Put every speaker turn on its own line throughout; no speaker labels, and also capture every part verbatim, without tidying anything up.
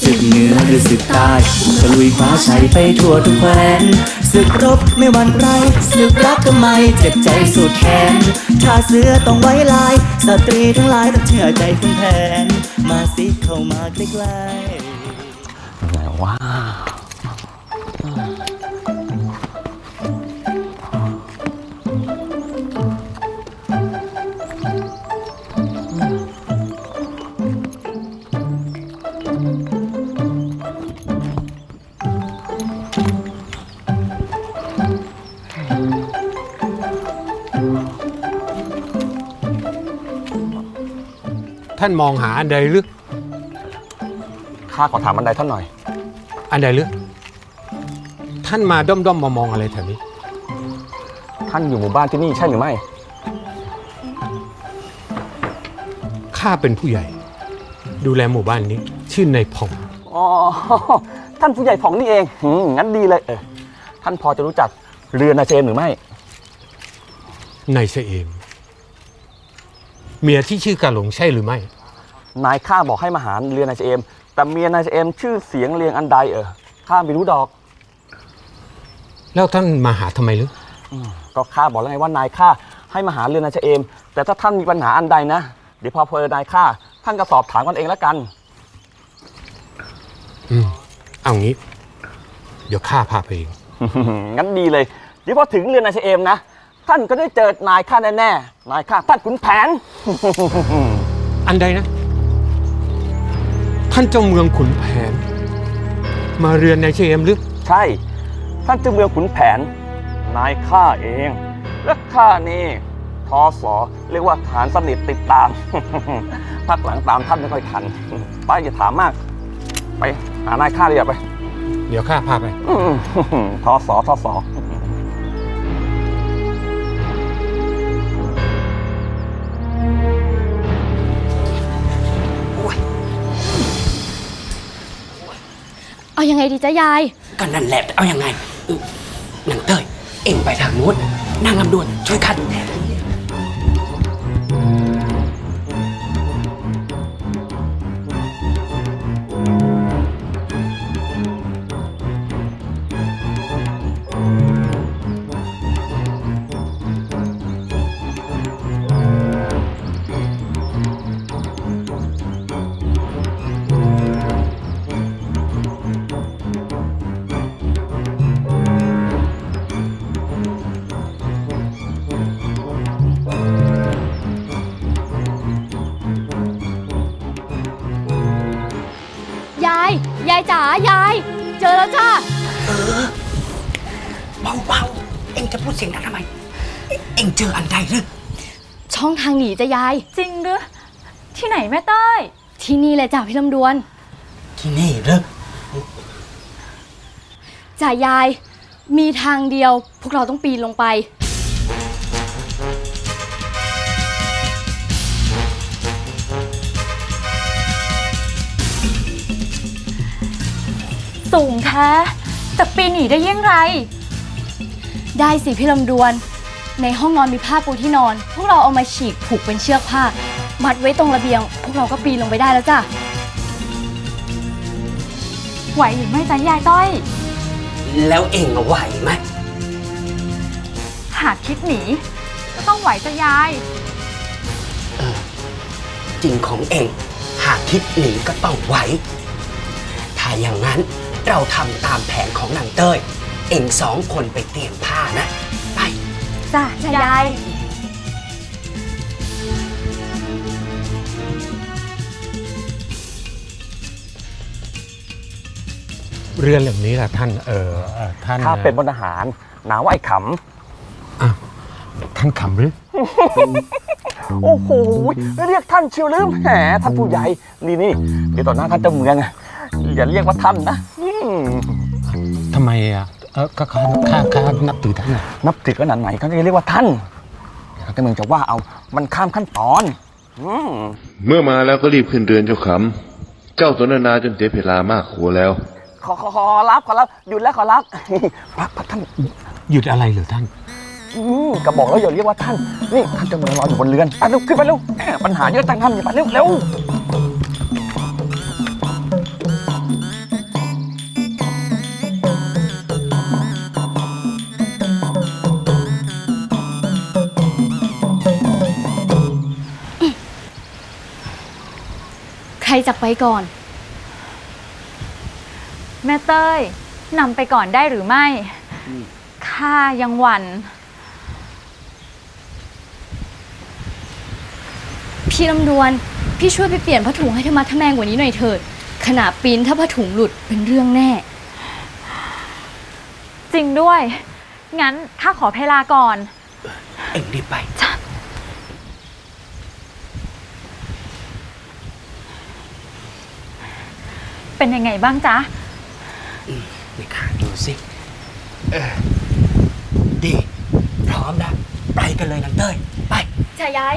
ศึกเหนือหรือศึกใต้ตะลุยคว้าชัยไปทั่วทุกแคว้นศึกรบไม่หวั่นไรศึกรักก็ไม่เจ็บใจสุดแขนถ้าเสือต้องไว้ลายสตรีทั้งหลายต้องเชื่อใจคุณแผนมาสิเข้ามาใกล้ๆ
ไหนว่า
ท่านมองหาอันใดหรือ
ข้าขอถามอันใดท่านหน่อย
อันใดหรือท่านมาด้อมด้อมมามองอะไรแถวนี้
ท่านอยู่หมู่บ้านที่นี่ใช่หรือไม่
ข้าเป็นผู้ใหญ่ดูแลหมู่บ้านนี้ชื่อนายผ่อง
อ๋อท่านผู้ใหญ่ผ่องนี่เองงั้นดีเลยเออท่านพอจะรู้จักเรือนายเจมหรือไม่
นายเชเอมเมียที่ชื่อกาหลงใช่หรือไม่
นายข้าบอกให้มาหาเรือนายเจมแต่เมียนายเจมชื่อเสียงเรียงอันใดเออข้าไม่รู้ดอก
แล้วท่านมาหาทำไมหรือ
ก็ข้าบอกแล้วไงว่านายข้าให้มาหาเรือนนายเจมแต่ถ้าท่านมีปัญหาอันใดนะเดี๋ยวพอเพอนายข้าท่านก็สอบถามกันเองแล้วกัน
อืมเอางี้เดี๋ยวข้าพาไปเอง
งั้นดีเลยเดี๋ยวพอถึงเรือนนายเจมนะท่านก็ได้เจอนายข้าแน่ๆนายข้าท่านขุนแผน
อันใดนะท่านเจ้าเมืองขุนแผนมาเรือนนายเชเอมหรือ
ใช่ท่านเจ้าเมืองขุนแผนนายข้าเองและข้านี่ทอสอเรียกว่าฐานสนิทติดตามพักหลังตามท่านไม่ค่อยทันไปอย่าถามมากไปหานายข้าเลยไป
เดี๋ยวข้าพาไป
ทอสอทอสอ
เอายังไงดีจ๊ะยาย
ก็นั่นแหละเอายังไงนางเต้ยเอ็งไปทางนู้นนางลำดวนช่วยคัด
ยายจ๋ายายเจอแล้วจ้า
เออเบาๆเอ็งจะพูดเสียงดังทำไมเอ็งเจออันใดหรือ
ช่องทางหนีจ้ะยาย
จริงหรือที่ไหนแม่เต้ย
ที่นี่เลยจ้ะพี่ลำดวน
ที่นี่หรือ
จ้ะยายมีทางเดียวพวกเราต้องปีนลงไป
สูงแท้แต่ปีนหนีได้ยังไง
ได้สิพี่ลำดวนในห้องนอนมีผ้าปูที่นอนพวกเราเอามาฉีกผูกเป็นเชือกผ้ามัดไว้ตรงระเบียงพวกเราก็ปีนลงไปได้แล้วจ้ะ
ไหวหรือไม่จ๊ะยายต้อย
แล้วเอ็งไหวไหม
หากคิดหนีก็ต้องไหวจ๊ะยาย
เออจริงของเอ็งหากคิดหนีก็ต้องไหวถ้าอย่างนั้นเราทำตามแผนของนางเต้ยเอ็งสองคนไปเตรียมผ้านะไป
จ้ะยาย
เรือนแบบนี้แหละท่านเออท่าน
ข้าเป็นพลทหารนามว่าไอ้ข
ำอ่ะท่านขำหรือ
โอ้โหเรียกท่านเชียวลืมแหมท่านผู้ใหญ่นี่นี่เดี๋ยวต่อหน้าท่านเจ้าเมืองอย่าเรียกว่าท่านนะ
ทำไมอ่ะเออข้าข้าข้านับถือท่าน
นับถือขนาดไหนเขาจะเรียกว่าท่านเจ้าเมืองจะว่าเอามันข้ามขั้นตอน
เมื่อมาแล้วก็รีบขึ้นเรือนเจ้าขำเจ้าสนทนาจนเสียเวลามากโขแล้ว
ขอขอขอรับขอรับหยุดแล้วขอรับพักพักท่าน
หยุดอะไรเหรอท่าน
อืมก็บอกแล้วอย่าเรียกว่าท่านนี่ท่านเจ้าเมืองรออยู่บนเรือนไปเร็วขึ้นไปเร็วปัญหาเยอะจังท่านอย่าไปเร็วเร็ว
จากไปก่อน
แม่เต้ยนำไปก่อนได้หรือไม่ข้ายังหวั่น
พี่ลำดวน พี่ช่วยไปเปลี่ยนผ้าถุงให้ธรรมะทะแมงกว่านี้หน่อยเถิด ขนาดปีนถ้าผ้าถุงหลุดเป็นเรื่องแน่
จริงด้วย งั้นข้าขอเพลาก่อน
เอ็งรีบไป
เป็นยังไงบ้างจ๊ะ
นี่ข้าดูสิเออดี พร้อมแล้วไปกันเลยนางเต้ย ไป
จ้ายาย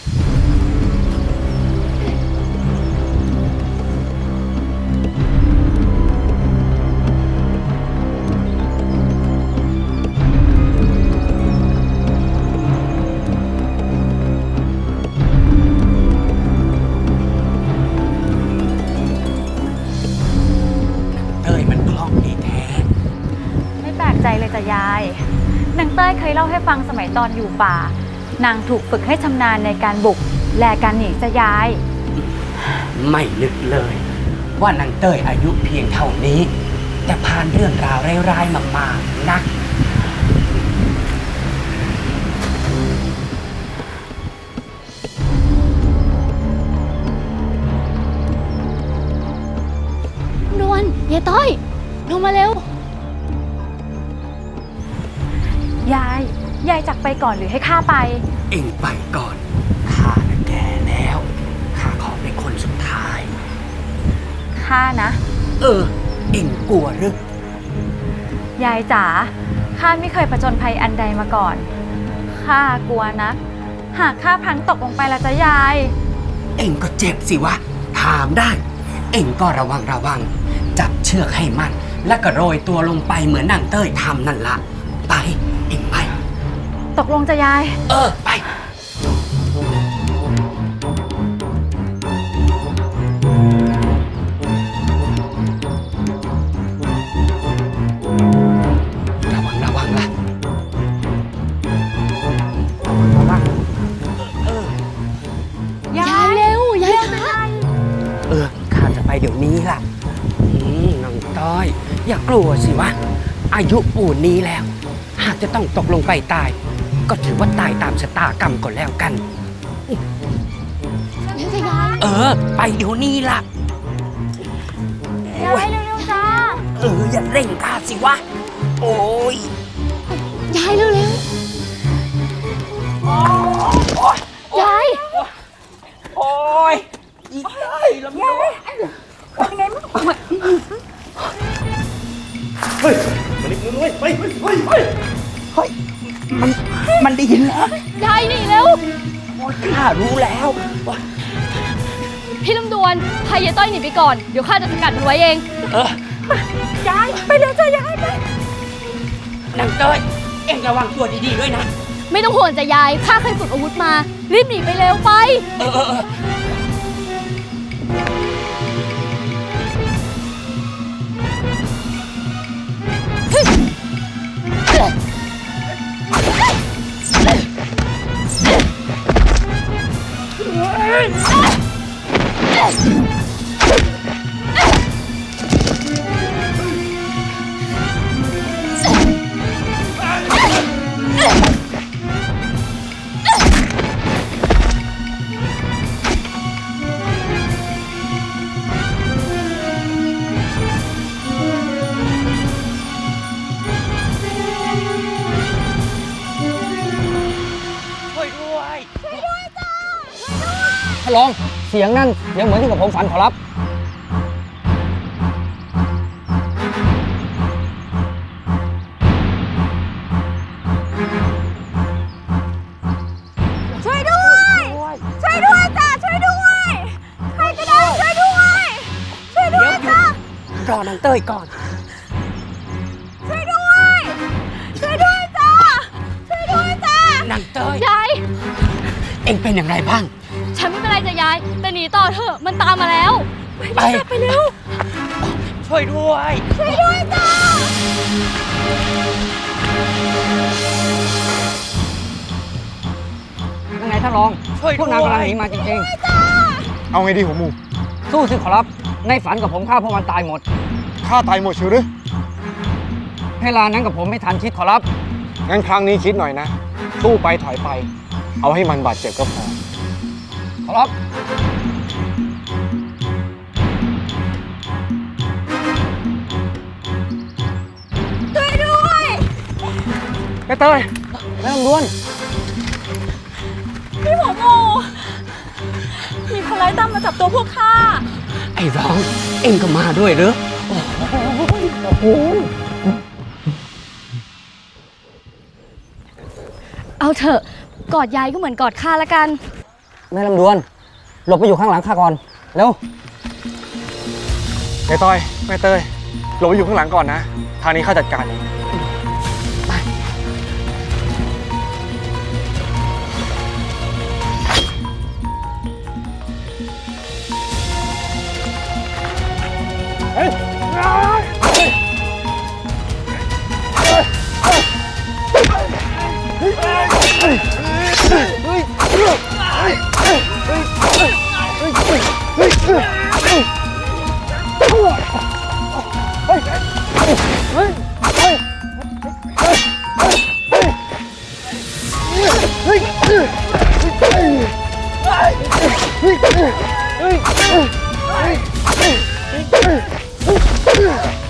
เต้ยมันคล่องดีแท้
ไม่แปลกใจเลยจ้ะยาย นางเต้ยเคยเล่าให้ฟังสมัยตอนอยู่ป่า นางถูกฝึกให้ชำนาญในการบุก และการหนีจ้ะยาย
ไม่นึกเลย ว่านางเต้ยอายุเพียงเท่านี้ แต่ผ่านเรื่องราวร้ายๆมามากนัก
ดวนยายต้อย ลงมาเร็ว
ยาย ยายจากไปก่อนหรือให้ข้าไป
เอ็งไปก่อน ข้าน่ะแก่แล้ว ข้าขอเป็นคนสุดท้าย
ข้านะ
เออ เอ็งกลัวหรือ
ยายจ๋า ข้าไม่เคยผจญภัยอันใดมาก่อน ข้ากลัวนะ หากข้าพลังตกลงไปละจ้ะยาย
เอ็งก็เจ็บสิวะ ถามได้ เอ็งก็ระวังระวัง จับเชือกให้มัน แล้วก็โรยตัวลงไปเหมือนนางเต้ยทำนั่นละ ไป เอ็งไป
ตกลงจ้ะยาย
เออ ไป ระวังระวังล่ะระวังเออ
ยายเร็ว ยายคะ
เออ ข้าจะไปเดี๋ยวนี้ล่ะ อืมน้องต้อย อย่ากลัวสิวะ อายุปูนนี้แล้ว หากจะต้องตกลงไปตาย ก็ถือว่าตายตามชะตากรรมก่อนแล้วกัน เออ ไปเดี๋ยวนี้ล่ะ
ยายเร็วๆจ้า
เออ อย่าเร่งข้าสิวะ โอ้ย
ยายเร็วเร็ว ยาย
โอ้ยอีกได้ลำยายเป็นไงมั้งเฮ้ยมันอีกมือเว้ยเฮ้ยเฮ้ยเฮ้ยเฮ้ยเฮ้ยมัน มันได้ยินแล้ว
ยายหนีเร็ว
โอ้ยข้ารู้แล้วว่า
พี่ลำดวน พายายต้อยหนีไปก่อน เดี๋ยวข้าจะสกัดมันไว้เอง
เออ
ยาย ไปเร็วจ้ะยายไป
นางเต้ย เอ็งระวังตัวดีๆด้วยนะ
ไม่ต้องห่วงจ้ะยาย ข้าเคยฝึกอาวุธมา รีบหนีไปเร็วไป
เออเออเออ ช่วยด้วย
ท่านรองเสียงนั่นยังเหมือนที่กับผมฝันขอรับ
ช่วยด้วย ช่วยด้วยจ้าช่วยด้วย ใครก็ได้ช่วยด้วย ช่วยด้วยจ้าร
อนางเต้ยก่อน
ช่วยด้วย ช่วยด้วยจ้าช่วยด้วยจ้าน
างเต้ย
ยาย
เอ็งเป็นอย่างไรบ้าง
ฉันไม่เป็นไรจ้ะยาย แต่หนีต่อเถอะ มันตามมาแล้ว
ไป
ไปเร็ว
ช่วยด้วย
ช่วยด้วยจ้า
ยังไงท่านรอง
ช่วยด้วย
พวกนางกำลังหนีมาจริง
เอาไงดีหัวหมู
ๆ สู้สู้สิขอรับ ในฝันกับผมฆ่าพวกมันตายหมด
ข้าตายหมดเชียวหรือ
เวลานั้นกับผมไม่ทันคิดขอรับ
งั้นครั้งนี้คิดหน่อยนะ สู้ไปถอยไป เอาให้มันบาดเจ็บก็พอ
ขอรับ
แม่เตย
แม่ลำดวน
พี่หัวงูมีคนร้ายตามมาจับตัวพวกข้า
ไอ้ร้อง เอ็งก็มาด้วยเหรอ
เอาเถอะกอดยายก็เหมือนกอดข้าละกัน
แม่ลำดวน หลบไปอยู่ข้างหลังข้าก่อน เร็ว
แม่ต้อย แม่เตยหลบไปอยู่ข้างหลังก่อนนะ ทางนี้ข้าจัดการเอง
เ